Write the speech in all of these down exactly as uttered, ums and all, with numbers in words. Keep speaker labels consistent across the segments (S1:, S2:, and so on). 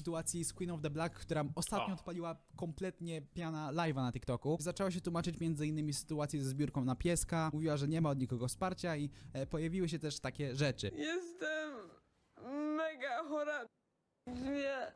S1: sytuacji z Queen of the Black, która ostatnio
S2: O.
S1: odpaliła kompletnie piana live'a na TikToku. Zaczęła się tłumaczyć między innymi sytuację ze zbiórką na pieska, mówiła, że nie ma od nikogo wsparcia i e, pojawiły się też takie rzeczy.
S3: Jestem mega chora. Nie.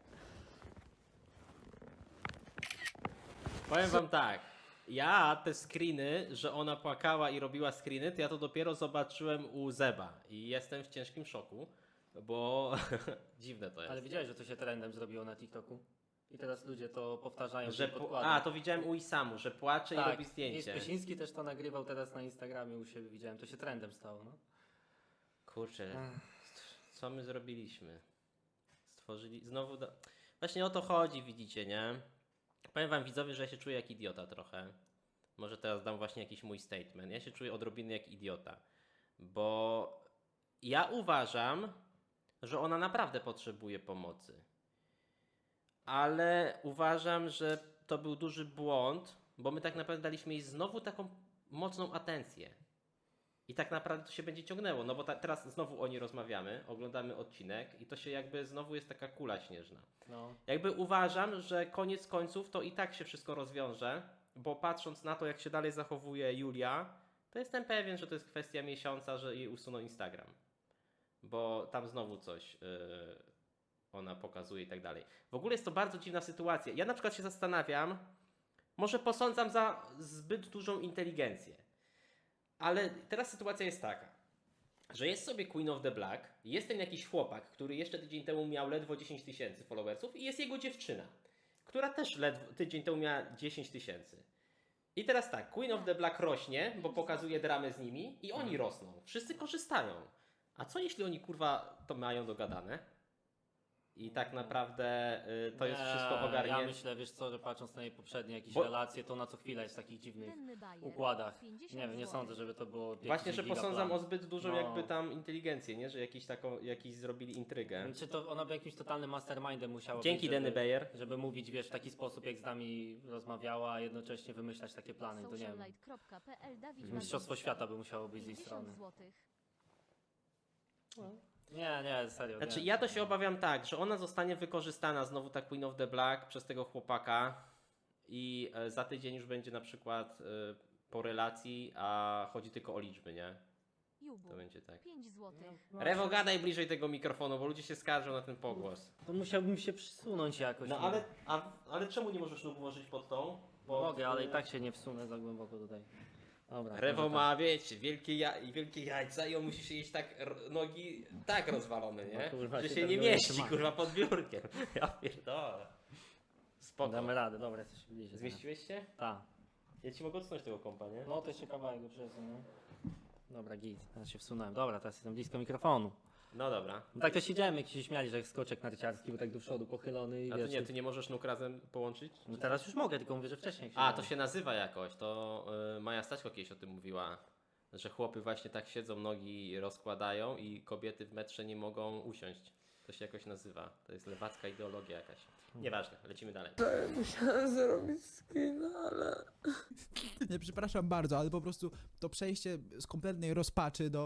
S2: Powiem wam tak, ja te screeny, że ona płakała i robiła screeny, to ja to dopiero zobaczyłem u Zeba i jestem w ciężkim szoku, bo dziwne to jest.
S4: Ale widziałeś, że to się trendem zrobiło na TikToku? I teraz ludzie to powtarzają,
S2: Że
S4: że
S2: po...
S4: podkładają.
S2: A, to widziałem u Isamu, że płacze
S4: tak,
S2: i robi
S4: i
S2: zdjęcie.
S4: Spysiński też to nagrywał teraz na Instagramie u siebie, widziałem, to się trendem stało, no.
S2: Kurczę, co my zrobiliśmy? Stworzyli, znowu, do... właśnie o to chodzi, widzicie, nie? Powiem wam widzowie, że ja się czuję jak idiota trochę. Może teraz dam właśnie jakiś mój statement. Ja się czuję odrobinę jak idiota, bo ja uważam, że ona naprawdę potrzebuje pomocy. Ale uważam, że to był duży błąd, bo my tak naprawdę daliśmy jej znowu taką mocną atencję. I tak naprawdę to się będzie ciągnęło, no bo ta, teraz znowu o niej rozmawiamy, oglądamy odcinek i to się jakby znowu jest taka kula śnieżna.
S4: no.
S2: Jakby uważam, że koniec końców to i tak się wszystko rozwiąże, bo patrząc na to, jak się dalej zachowuje Julia, to jestem pewien, że to jest kwestia miesiąca, że jej usuną Instagram. Bo tam znowu coś yy, ona pokazuje i tak dalej. W ogóle jest to bardzo dziwna sytuacja. Ja na przykład się zastanawiam, może posądzam za zbyt dużą inteligencję. Ale teraz sytuacja jest taka, że jest sobie Queen of the Black, jest ten jakiś chłopak, który jeszcze tydzień temu miał ledwo dziesięć tysięcy followersów i jest jego dziewczyna, która też ledwo tydzień temu miała dziesięć tysięcy. I teraz tak, Queen of the Black rośnie, bo pokazuje dramę z nimi i oni rosną. Wszyscy korzystają. A co jeśli oni kurwa to mają dogadane? I tak naprawdę y, to jest
S4: Nie,
S2: wszystko ogarnięte.
S4: Ja myślę, wiesz co, że patrząc na jej poprzednie jakieś
S2: Bo-
S4: relacje, to na co chwilę jest w takich dziwnych
S5: Denny Bayer,
S4: układach.
S5: pięćdziesiąt
S4: Nie wiem, nie
S5: złotych.
S4: sądzę, żeby to było
S2: Właśnie,
S4: jakiś
S2: że
S4: gigaplan.
S2: posądzam o zbyt dużą
S4: No.
S2: jakby tam inteligencję, nie? Że jakiś taką, jakiś zrobili intrygę.
S4: Czy to ona by jakimś totalnym mastermindem musiała
S2: Dzięki,
S4: być, żeby,
S2: Denny Bayer.
S4: żeby mówić, wiesz, w taki sposób, jak z nami rozmawiała, a jednocześnie wymyślać takie plany, to nie wiem.
S5: socialite kropka p l Dawid
S4: Mistrzostwo
S5: Wagowski.
S4: świata by musiało być z jej
S5: pięćdziesiąt
S4: strony.
S5: złotych.
S4: Nie, nie, serio.
S2: Znaczy
S4: nie.
S2: ja to się obawiam tak, że ona zostanie wykorzystana znowu ta Queen of the Black przez tego chłopaka i e, za tydzień już będzie na przykład e, po relacji, a chodzi tylko o liczby, nie?
S5: Jubu,
S2: To będzie tak.
S5: pięć złotych.
S2: Rewo, gadaj bliżej tego mikrofonu, bo ludzie się skarżą na ten pogłos.
S4: To musiałbym się przysunąć jakoś.
S2: No ale, a, ale czemu nie możesz nóg włożyć pod tą? Pod,
S4: Mogę, ale i tak się nie wsunę za głęboko tutaj. Dobra.
S2: Rewo
S4: może
S2: ma, wiecie, wielkie, ja, wielkie jajca i on musi się jeść tak, r- nogi tak rozwalone, nie?
S4: No kurwa,
S2: że
S4: się
S2: się
S4: tam
S2: nie
S4: nie
S2: mieści,
S4: trzyma.
S2: kurwa, pod biurkiem. Ja pierdolę.
S4: tak.
S2: Spoko.
S4: Damy radę, dobra, jesteś bliżej.
S2: Zmieściłeś się?
S4: Tak.
S2: Ja ci mogę odsunąć tego kompa, nie?
S4: No to jeszcze kawałek go przesunę. no. Dobra, git, teraz się wsunąłem. Dobra, teraz jestem blisko mikrofonu.
S2: No dobra.
S4: No tak to siedziałem, jak się śmiali, że jak skoczek narciarski, był tak do przodu pochylony i
S2: A ty
S4: wiesz,
S2: nie, ty nie możesz nóg razem połączyć?
S4: No teraz już mogę, tylko mówię, że wcześniej jak
S2: A,
S4: siedziałem.
S2: to się nazywa jakoś, to y, Maja Staśko kiedyś o tym mówiła, że chłopy właśnie tak siedzą, nogi rozkładają i kobiety w metrze nie mogą usiąść. To się jakoś nazywa. To jest lewacka ideologia jakaś. Nieważne, lecimy dalej.
S3: Musiałam zrobić skin, ale...
S1: Nie, przepraszam bardzo, ale po prostu to przejście z kompletnej rozpaczy do...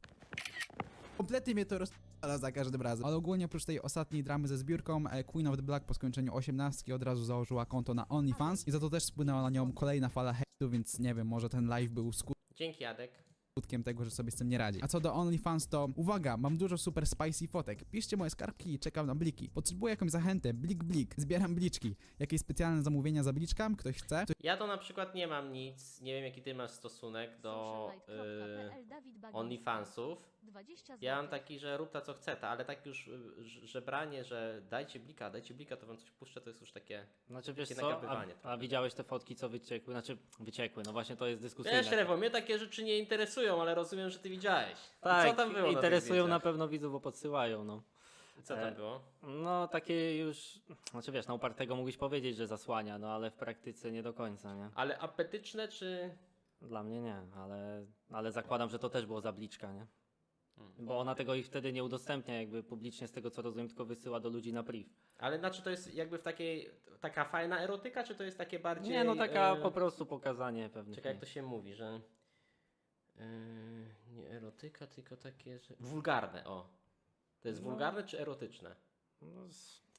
S1: Kompletnie mnie to rozpala za każdym razem. Ale ogólnie oprócz tej ostatniej dramy ze zbiórką, e, Queen of the Black po skończeniu osiemnastki od razu założyła konto na OnlyFans i za to też spłynęła na nią kolejna fala hejtu, więc nie wiem, może ten live był
S2: Dzięki, Jadek.
S1: skutkiem tego, że sobie z tym nie radzi. A co do OnlyFans, to uwaga, mam dużo super spicy fotek. Piszcie moje skarbki i czekam na bliki. Potrzebuję jakąś zachętę, blik blik, zbieram bliczki. Jakieś specjalne zamówienia za bliczkam? Ktoś chce?
S2: Ja to na przykład nie mam nic, nie wiem jaki ty masz stosunek do
S5: socialite kropka p l
S2: y,
S5: Dawid Wagowski.
S2: OnlyFansów.
S5: dwadzieścia
S2: Ja mam
S5: złotych.
S2: taki, że rób ta co chce, ta, ale tak już y, ż- żebranie, że dajcie blika, dajcie blika, to wam coś puszczę, to jest już takie...
S4: Znaczy wiesz
S2: takie
S4: co, a,
S2: nagabywanie
S4: a
S2: trochę.
S4: widziałeś te fotki, co wyciekły? Znaczy wyciekły, no właśnie to jest dyskusyjne.
S2: Wiesz, Rewo, mnie takie rzeczy nie interesują, ale rozumiem, że ty widziałeś.
S4: Tak,
S2: co tam było
S4: interesują
S2: na,
S4: na
S2: tych
S4: pewno widzów, bo podsyłają, no.
S2: zdjęciach? Co tam
S4: E,
S2: było?
S4: No takie już, znaczy wiesz, na upartego mógłbyś powiedzieć, że zasłania, no ale w praktyce nie do końca, nie?
S2: Ale apetyczne czy...
S4: Dla mnie nie, ale, ale zakładam, że to też było zabliczka, nie?
S2: Hmm.
S4: Bo ona tego ich wtedy nie udostępnia jakby publicznie z tego co rozumiem, tylko wysyła do ludzi na priv.
S2: Ale znaczy to jest jakby w takiej... Taka fajna erotyka, czy to jest takie bardziej...
S4: Nie, no taka
S2: e,
S4: po prostu pokazanie pewnych.
S2: Czekaj, jak to się mówi, że... Yy, nie erotyka, tylko takie, że... Wulgarne, o. To jest wulgarne czy erotyczne?
S4: No, s-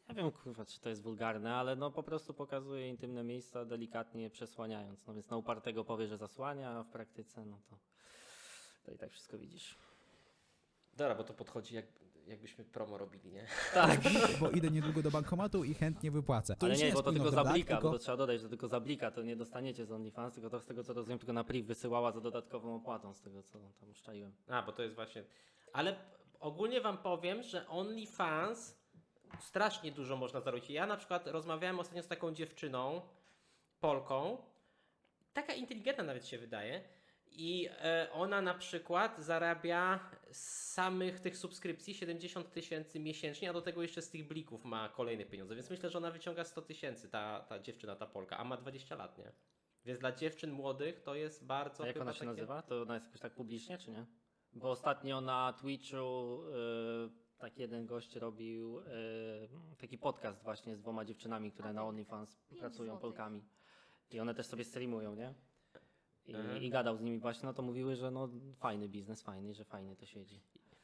S4: Nie wiem, kurwa, czy to jest wulgarne, ale no po prostu pokazuje intymne miejsca, delikatnie je przesłaniając. No więc na upartego powie, że zasłania, a w praktyce, no to, to i tak wszystko widzisz.
S2: Dobra, bo to podchodzi jak, jakbyśmy promo robili, nie?
S4: Tak.
S1: Bo idę niedługo do bankomatu i chętnie wypłacę. To
S4: Ale
S1: już
S4: nie,
S1: jest
S4: bo to
S1: Queen
S4: tylko
S1: of the
S4: za
S1: Black,
S4: blika,
S1: tylko...
S4: bo to trzeba dodać, że to tylko za blika, to nie dostaniecie z OnlyFans, tylko to z tego co rozumiem, tylko na priv wysyłała za dodatkową opłatą, z tego co tam szczaiłem.
S2: A, bo to jest właśnie... Ale ogólnie wam powiem, że OnlyFans strasznie dużo można zarobić. Ja na przykład rozmawiałem ostatnio z taką dziewczyną, Polką, taka inteligentna nawet się wydaje, i e, ona na przykład zarabia z samych tych subskrypcji siedemdziesiąt tysięcy miesięcznie, a do tego jeszcze z tych blików ma kolejne pieniądze, więc myślę, że ona wyciąga sto tysięcy, ta, ta dziewczyna, ta Polka, a ma dwadzieścia lat, nie? Więc dla dziewczyn młodych to jest bardzo
S4: A jak
S2: chyba
S4: ona się
S2: takie...
S4: nazywa? To ona jest jakoś tak publicznie, czy nie? Bo ostatnio na Twitchu y, taki jeden gość robił y, taki podcast właśnie z dwoma dziewczynami, które na OnlyFans
S5: Pięć
S4: pracują,
S5: złotych.
S4: Polkami. I one też sobie streamują, nie? I,
S2: Mhm.
S4: I gadał z nimi właśnie, no to mówiły, że no fajny biznes, fajny, że fajnie to siedzi.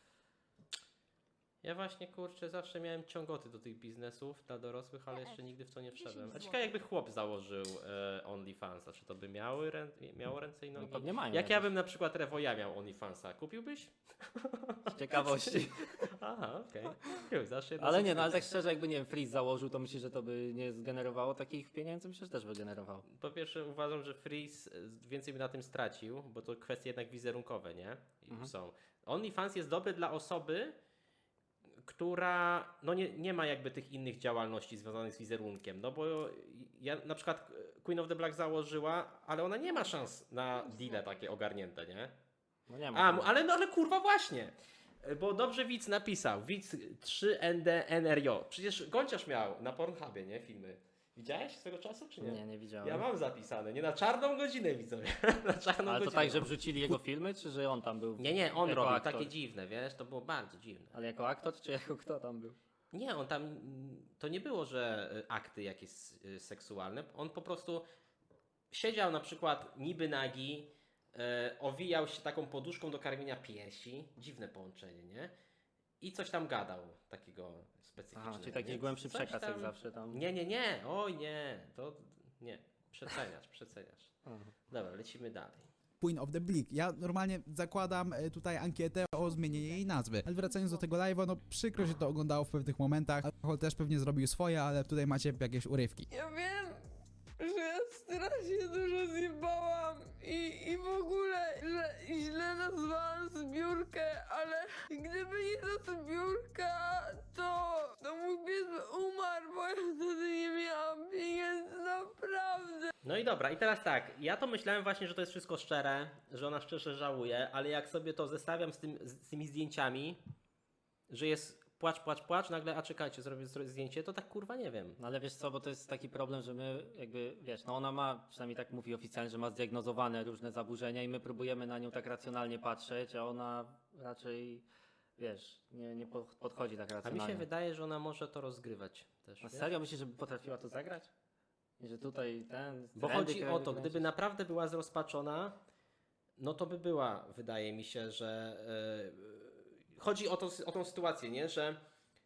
S2: Ja właśnie, kurczę, zawsze miałem ciągoty do tych biznesów dla dorosłych, ale
S5: P F.
S2: jeszcze nigdy w to nie
S5: dziesięć
S2: wszedłem. A
S5: złotych.
S2: ciekawe jakby chłop założył e, OnlyFansa, czy to by miały rę miało ręce i
S4: No
S2: nogi?
S4: pewnie mają.
S2: Jak ja
S4: jakieś.
S2: bym na przykład Rewoja miał OnlyFansa, kupiłbyś?
S4: Z ciekawości.
S2: Aha, okej. Okay. Zawsze jedna
S4: Ale nie, no ale
S2: subskrypcja.
S4: tak szczerze, jakby nie wiem, Freeze założył, to myślisz, że to by nie zgenerowało takich pieniędzy? Myślę, że też by generowało.
S2: Po pierwsze uważam, że Freeze e, więcej by na tym stracił, bo to kwestie jednak wizerunkowe, nie? I
S4: Mhm.
S2: są. OnlyFans jest dobry dla osoby, która no nie, nie ma jakby tych innych działalności związanych z wizerunkiem, no bo ja na przykład Queen of the Black założyła, ale ona nie ma szans na deale takie ogarnięte, nie?
S4: No nie ma.
S2: A,
S4: tego.
S2: ale, no, ale kurwa właśnie, bo dobrze widz napisał, widz trzy N D N R J, przecież Gonciarz miał na Pornhubie, nie, filmy. Widziałeś swego czasu, czy nie?
S4: Nie, nie widziałem.
S2: Ja mam zapisane, nie na czarną godzinę widzowie, na czarną
S4: Ale to
S2: godzinę.
S4: tak, że wrzucili jego filmy, czy że on tam był?
S2: Nie, nie, on
S4: jako
S2: robił
S4: aktor?
S2: takie dziwne, wiesz, to było bardzo dziwne.
S4: Ale jako aktor, czy jako kto tam był?
S2: Nie, on tam, mm, to nie było, że y, akty jakieś y, seksualne, on po prostu siedział na przykład niby nagi, y, owijał się taką poduszką do karmienia piersi, dziwne połączenie, nie? I coś tam gadał takiego specyficznego.
S4: Aha, czyli taki
S2: więc
S4: głębszy
S2: coś
S4: przekaz jak
S2: tam-
S4: zawsze tam.
S2: Nie, nie, nie, oj nie, to nie, przeceniasz, przeceniasz.
S4: Aha.
S2: Dobra, lecimy dalej.
S1: Queen of the Bleak. Ja normalnie zakładam e, tutaj ankietę o zmienienie jej nazwy. Ale wracając do tego live'a, no przykro się to oglądało w pewnych momentach. Alkohol też pewnie zrobił swoje, ale tutaj macie jakieś urywki.
S3: Ja wiem, że ja strasznie dużo zjebałam i, i w ogóle, że źle nazwałam zbiórkę, ale gdyby nie ta zbiórka, to, to mój pies by umarł, bo ja wtedy nie miałam pieniędzy, naprawdę.
S2: No i dobra, i teraz tak, ja to myślałem właśnie, że to jest wszystko szczere, że ona szczerze żałuje, ale jak sobie to zestawiam z, tym, z tymi zdjęciami, że jest płacz, płacz, płacz, nagle, a czekajcie, zrobię zrobię zdjęcie, to tak kurwa nie wiem.
S4: No ale wiesz co, bo to jest taki problem, że my jakby, wiesz, no ona ma, przynajmniej tak mówi oficjalnie, że ma zdiagnozowane różne zaburzenia i my próbujemy na nią tak racjonalnie patrzeć, a ona raczej, wiesz, nie, nie po- podchodzi tak
S2: A mi
S4: racjonalnie.
S2: się wydaje, że ona może to rozgrywać też.
S4: A
S2: wiesz?
S4: serio myślisz, żeby potrafiła to zagrać? I że tutaj ten...
S2: Bo
S4: trendy
S2: chodzi o
S4: kręci-
S2: to, gdyby naprawdę była zrozpaczona, no to by była, wydaje mi się, że... Yy, chodzi o, to, o tą sytuację, nie? Że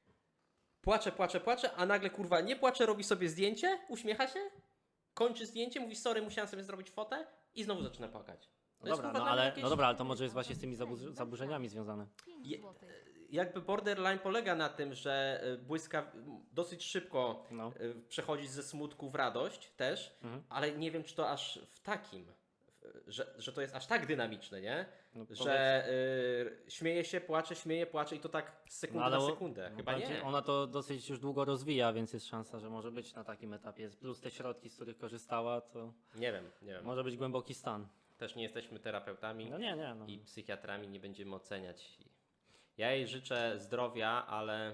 S2: płacze, płacze, płacze, a nagle kurwa nie płacze, robi sobie zdjęcie, uśmiecha się, kończy zdjęcie, mówi sorry, musiałem sobie zrobić fotę i znowu zaczyna płakać. To
S4: No
S2: jest,
S4: dobra,
S2: kurwa,
S4: no
S2: dla mnie
S4: ale,
S2: jakieś-
S4: no dobra, ale to może jest właśnie z tymi zabu- zaburzeniami związane.
S5: pięć
S2: Je-
S5: złotych.
S2: Jakby borderline polega na tym, że y, błyska dosyć szybko
S4: No.
S2: y, przechodzi ze smutku w radość też,
S4: Mhm.
S2: ale nie wiem, czy to aż w takim, w- że, że to jest aż tak dynamiczne, nie?
S4: No,
S2: Że y, śmieje się, płacze, śmieje, płacze i to tak z sekundy
S4: No, ale
S2: na
S4: o-
S2: sekundę.
S4: no
S2: Chyba
S4: powiem ci,
S2: nie.
S4: Ona to dosyć już długo rozwija, więc jest szansa, że może być na takim etapie. Plus te środki, z których korzystała, to
S2: Nie wiem, nie wiem.
S4: może być głęboki stan.
S2: Też nie jesteśmy terapeutami
S4: No nie, nie. No.
S2: i psychiatrami, nie będziemy oceniać. Ja jej życzę zdrowia, ale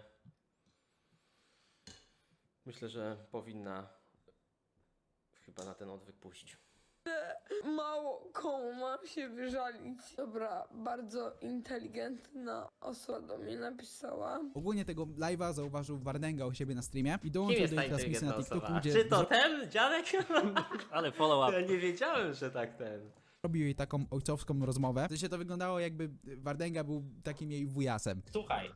S2: myślę, że powinna chyba na ten odwyk pójść.
S3: Mało komu mam się wyżalić. Dobra, bardzo inteligentna osoba do mnie napisała.
S1: Ogólnie tego live'a zauważył Wardenga u siebie na streamie i
S2: Kim
S1: dołączył
S2: jest
S1: do
S2: ta
S1: jej transmisji na
S2: inteligentna
S1: TikToku,
S2: osoba?
S1: gdzie
S2: Czy to ten dziadek?
S4: Ale follow
S2: Ja
S4: up.
S2: nie wiedziałem, że tak ten.
S1: zrobił jej taką ojcowską rozmowę. W sensie to wyglądało jakby Wardenga był takim jej wujasem.
S2: Słuchaj,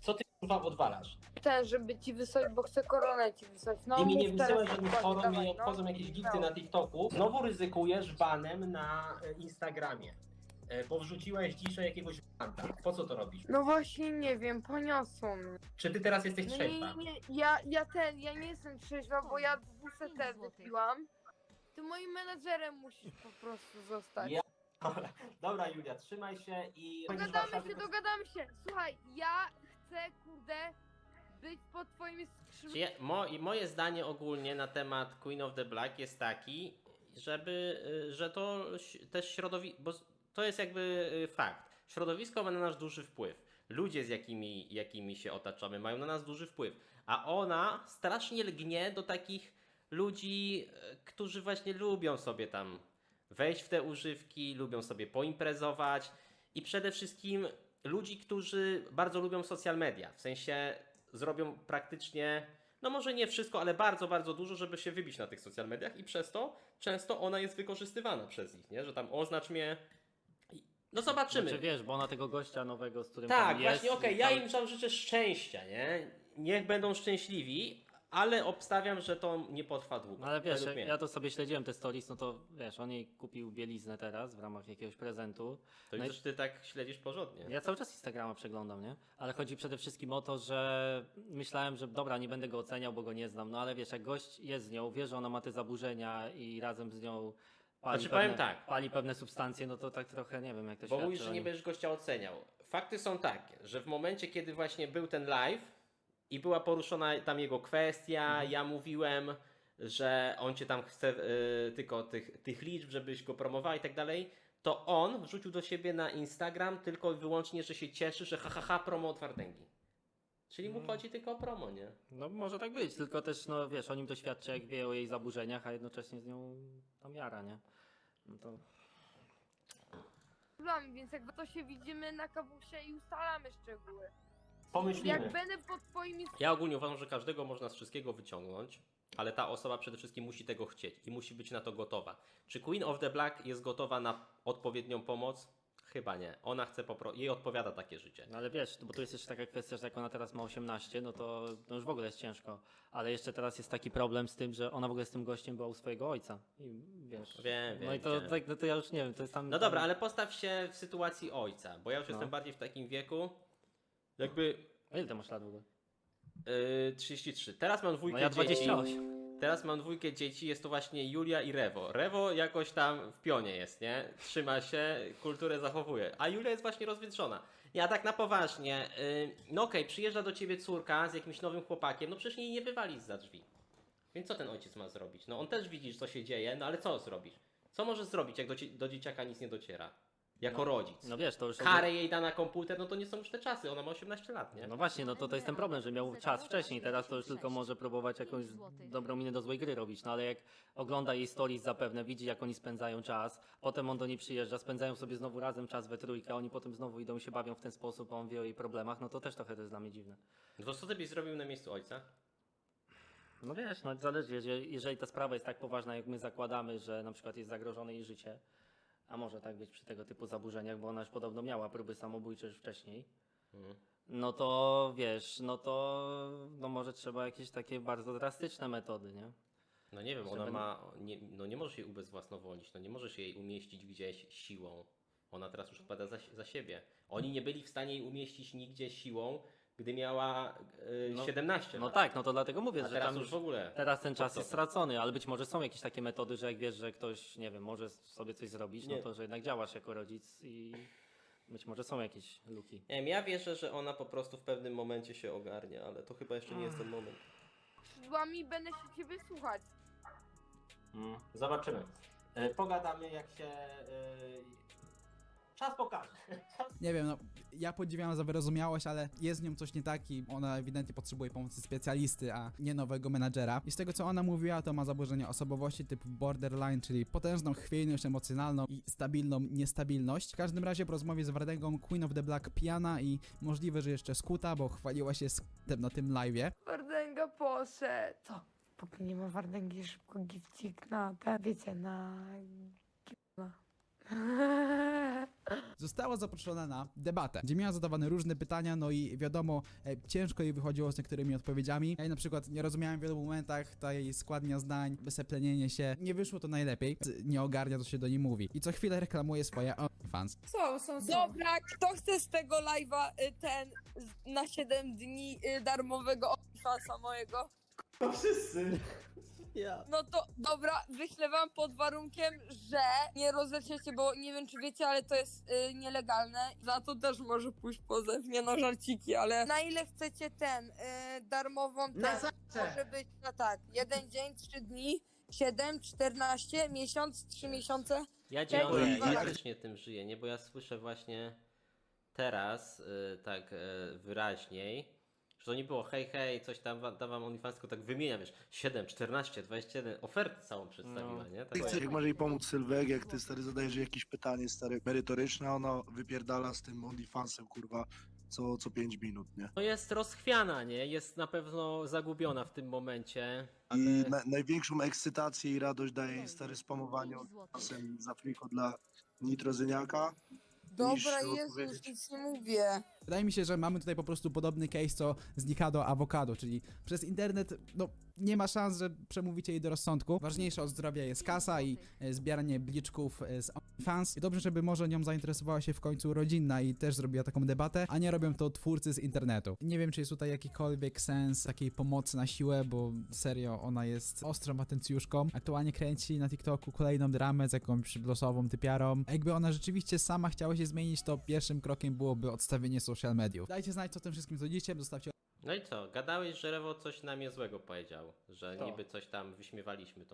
S2: Co ty kurwa odwalasz?
S3: Ten, żeby ci wysłać, bo chcę koronę ci wysłać. No,
S2: I mi nie
S3: mów teraz
S2: wysyłasz żadnych
S3: dokładnie,
S2: forum, mi
S3: dawaj,
S2: nie
S3: no.
S2: obchodzą jakieś gifty
S3: No.
S2: na TikToku. Znowu ryzykujesz banem na e, Instagramie, e, bo wrzuciłeś dzisiaj jakiegoś banta. Po co to robisz?
S3: No właśnie nie wiem, poniosło mnie.
S2: Czy ty teraz jesteś
S3: No
S2: trzeźwa?
S3: nie, nie, ja, ja ten, ja nie jestem trzeźwa, bo ja dwóch
S5: Pięć
S3: te
S5: złotych.
S3: wypiłam. Ty moim menadżerem musisz po prostu zostać.
S2: Ja- Dobra Julia, trzymaj się i...
S3: Dogadamy się, dogadamy się. Słuchaj, ja chcę, kurde, być pod twoimi skrzydłami.
S2: Czy ja, mo, i moje zdanie ogólnie na temat Queen of the Black jest taki, żeby, y, że to ś- też środowisko, bo s- to jest jakby y, fakt. Środowisko ma na nas duży wpływ. Ludzie, z jakimi, jakimi się otaczamy, mają na nas duży wpływ. A ona strasznie lgnie do takich ludzi, y, którzy właśnie lubią sobie tam wejść w te używki, lubią sobie poimprezować i przede wszystkim ludzi, którzy bardzo lubią social media. W sensie zrobią praktycznie, no może nie wszystko, ale bardzo, bardzo dużo, żeby się wybić na tych social mediach i przez to często ona jest wykorzystywana przez nich, nie? Że tam oznacz mnie. I- No zobaczymy.
S4: Znaczy wiesz, bo ona tego gościa nowego, z którym
S2: Tak,
S4: tam jest...
S2: właśnie, okej,
S4: i
S2: ja
S4: cały-
S2: im tam życzę szczęścia, nie? Niech będą szczęśliwi, ale obstawiam, że to nie potrwa długo.
S4: No ale wiesz,
S2: według
S4: jak
S2: mnie.
S4: ja to sobie śledziłem te stories, no to wiesz, on jej kupił bieliznę teraz w ramach jakiegoś prezentu.
S2: To
S4: no i-
S2: widzę, że ty tak śledzisz porządnie.
S4: Ja cały czas Instagrama przeglądam, nie? Ale chodzi przede wszystkim o to, że myślałem, że dobra, nie będę go oceniał, bo go nie znam, no ale wiesz, jak gość jest z nią, wie, że ona ma te zaburzenia i razem z nią pali,
S2: Znaczy,
S4: pewne,
S2: powiem tak.
S4: pali pewne substancje, no to tak trochę nie wiem, jak to
S2: Bo
S4: świadczy
S2: mówisz, że
S4: o
S2: nie
S4: nim.
S2: będziesz gościa oceniał. Fakty są takie, że w momencie, kiedy właśnie był ten live i była poruszona tam jego kwestia,
S4: Mhm.
S2: ja mówiłem, że on cię tam chce y, tylko tych, tych liczb, żebyś go promował i tak dalej, to on wrzucił do siebie na Instagram tylko i wyłącznie, że się cieszy, że ha, ha, ha promo od Wardęgi. Czyli mu
S4: Mm.
S2: chodzi tylko o promo, nie?
S4: No może tak być, tylko też, no wiesz, o nim doświadcza, jak wie o jej zaburzeniach, a jednocześnie z nią tam jara, nie? No to...
S3: Więc jakby to się widzimy na kawusie i ustalamy szczegóły.
S2: Pomyślimy.
S3: Jak będę pod twoimi
S2: Ja ogólnie uważam, że każdego można z wszystkiego wyciągnąć, ale ta osoba przede wszystkim musi tego chcieć i musi być na to gotowa. Czy Queen of the Black jest gotowa na odpowiednią pomoc? Chyba nie. Ona chce po prostu, jej odpowiada takie życie.
S4: No ale wiesz, bo tu jest jeszcze taka kwestia, że jak ona teraz ma osiemnaście, no to no już w ogóle jest ciężko. Ale jeszcze teraz jest taki problem z tym, że ona w ogóle z tym gościem była u swojego ojca. I wiesz.
S2: Wiem, wiem,
S4: No i to,
S2: wiem.
S4: tak, no to ja już nie wiem, to jest tam.
S2: No dobra, ale postaw się w sytuacji ojca, bo ja już
S4: No.
S2: jestem bardziej w takim wieku, jakby
S4: A ile ty masz lat w ogóle?
S2: yy, trzydzieści trzy. Teraz mam dwójkę
S4: No ja
S2: dzieci.
S4: dwadzieścia osiem.
S2: Teraz mam dwójkę dzieci, jest to właśnie Julia i Rewo. Rewo jakoś tam w pionie jest, nie? Trzyma się, kulturę zachowuje. A Julia jest właśnie rozwietrzona. Ja tak na poważnie, yy, no okej, przyjeżdża do ciebie córka z jakimś nowym chłopakiem, no przecież jej nie wywalisz za drzwi. Więc co ten ojciec ma zrobić? No on też widzi, co się dzieje, no ale co zrobisz? Co możesz zrobić, jak do, cie- do dzieciaka nic nie dociera? Jako
S4: No,
S2: rodzic.
S4: No wiesz, to już.
S2: Karę jej da na komputer, no to nie są już te czasy, ona ma osiemnaście lat, nie?
S4: No właśnie, no to, to jest ten problem, że miał czas wcześniej, teraz to już tylko może próbować jakąś dobrą minę do złej gry robić, no ale jak ogląda jej stories zapewne, widzi jak oni spędzają czas, potem on do niej przyjeżdża, spędzają sobie znowu razem czas we trójkę, a oni potem znowu idą i się bawią w ten sposób, a on wie o jej problemach, no to też trochę to jest dla mnie dziwne.
S2: No to co ty byś zrobił na miejscu ojca?
S4: No wiesz, no zależy, jeżeli, jeżeli ta sprawa jest tak poważna, jak my zakładamy, że na przykład jest zagrożone jej życie, a może tak być przy tego typu zaburzeniach, bo ona już podobno miała próby samobójcze już wcześniej,
S2: Mhm.
S4: no to wiesz, no to no może trzeba jakieś takie bardzo drastyczne metody, nie?
S2: No nie wiem,
S4: Że
S2: ona
S4: będę-
S2: ma, nie, no nie możesz jej ubezwłasnowolnić, no nie możesz jej umieścić gdzieś siłą. Ona teraz już odpowiada za, za siebie. Oni nie byli w stanie jej umieścić nigdzie siłą, gdy miała yy,
S4: No,
S2: siedemnaście
S4: No
S2: lat.
S4: tak, no to dlatego mówię,
S2: A
S4: że
S2: teraz
S4: tam
S2: już
S4: już
S2: w ogóle.
S4: teraz ten czas
S2: co
S4: jest
S2: to?
S4: stracony, ale być może są jakieś takie metody, że jak wiesz, że ktoś, nie wiem, może sobie coś zrobić,
S2: Nie.
S4: no to że jednak działasz jako rodzic i być może są jakieś luki.
S2: Nie wiem, ja wierzę, że ona po prostu w pewnym momencie się ogarnie, ale to chyba jeszcze nie jest ten moment.
S3: skrzydłami będę się ciebie słuchać.
S2: Mm. Zobaczymy. E, pogadamy jak się... E, czas pokaże.
S1: Nie wiem, no ja podziwiam za wyrozumiałość, ale jest z nią coś nie tak i ona ewidentnie potrzebuje pomocy specjalisty, a nie nowego menadżera. I z tego co ona mówiła, to ma zaburzenia osobowości typu borderline, czyli potężną chwiejność emocjonalną i stabilną niestabilność. W każdym razie po rozmowie z Wardęgą Queen of the Black pijana i możliwe, że jeszcze skuta, bo chwaliła się skutem na tym live'ie.
S3: Wardęga poszedł. Co? Póki nie ma Wardęgi, szybko gifcik na ten, wiecie, na... na
S1: Została zaproszona na debatę, gdzie miała zadawane różne pytania, no i wiadomo, e, ciężko jej wychodziło z niektórymi odpowiedziami. Ja na przykład nie rozumiałem w wielu momentach, ta jej składnia zdań, wyseplenienie się, nie wyszło to najlepiej, nie ogarnia, co się do niej mówi. I co chwilę reklamuje swoje OnlyFans.
S3: Są, są, są. Dobra, kto chce z tego live'a y, ten z- na siedem dni y, darmowego OnlyFansa mojego?
S2: To wszyscy. Ja.
S3: No to dobra, wyślę wam pod warunkiem, że nie rozleciecie, bo nie wiem czy wiecie, ale to jest y, nielegalne. Za to też może pójść pozew, nie no żarciki, ale na ile chcecie ten y, darmową ten,
S2: Na zawsze.
S3: może być na tak, jeden dzień, trzy dni, siedem, czternaście, miesiąc, trzy miesiące.
S2: Ja
S3: Czekaj,
S2: dziękuję, ja
S3: jak-
S2: faktycznie tym żyję, nie? Bo ja słyszę właśnie teraz y, tak y, wyraźniej, że to nie było hej, hej, coś tam wa- dawam OnlyFans, tylko tak wymieniam, wiesz, siedem, czternaście, dwadzieścia jeden, ofertę całą przedstawiła,
S4: No.
S2: nie?
S6: Ty
S2: Tak,
S6: chcesz, jak może jej pomóc Sylwek, jak ty stary zadajesz jej jakieś pytanie stary merytoryczne, a ona wypierdala z tym OnlyFansem kurwa co, co pięć minut, nie?
S2: no jest rozchwiana, nie? Jest na pewno zagubiona w tym momencie, ale...
S6: I na, największą ekscytację i radość daje jej stary spamowanie OnlyFansem za friko dla nitrozyniaka.
S3: Dobra,
S6: Niż
S3: Jezus,
S6: odpowiedzieć.
S3: nic nie mówię.
S1: Wydaje mi się, że mamy tutaj po prostu podobny case co z Nikado Avocado, czyli przez internet, no nie ma szans, że przemówicie jej do rozsądku. Ważniejsze od zdrowia jest kasa i e, zbieranie bliczków e, z OnlyFans. I dobrze, żeby może nią zainteresowała się w końcu rodzinna i też zrobiła taką debatę, a nie robią to twórcy z internetu. Nie wiem, czy jest tutaj jakikolwiek sens takiej pomocy na siłę, bo serio, ona jest ostrą atencjuszką. Aktualnie kręci na TikToku kolejną dramę z jakąś losową typiarą. A jakby ona rzeczywiście sama chciała się zmienić, to pierwszym krokiem byłoby odstawienie social mediów. Dajcie znać, co o tym wszystkim sądzicie, zostawcie
S2: No i co? Gadałeś, że Rewo coś na mnie złego powiedział, że
S4: To.
S2: niby coś tam wyśmiewaliśmy tą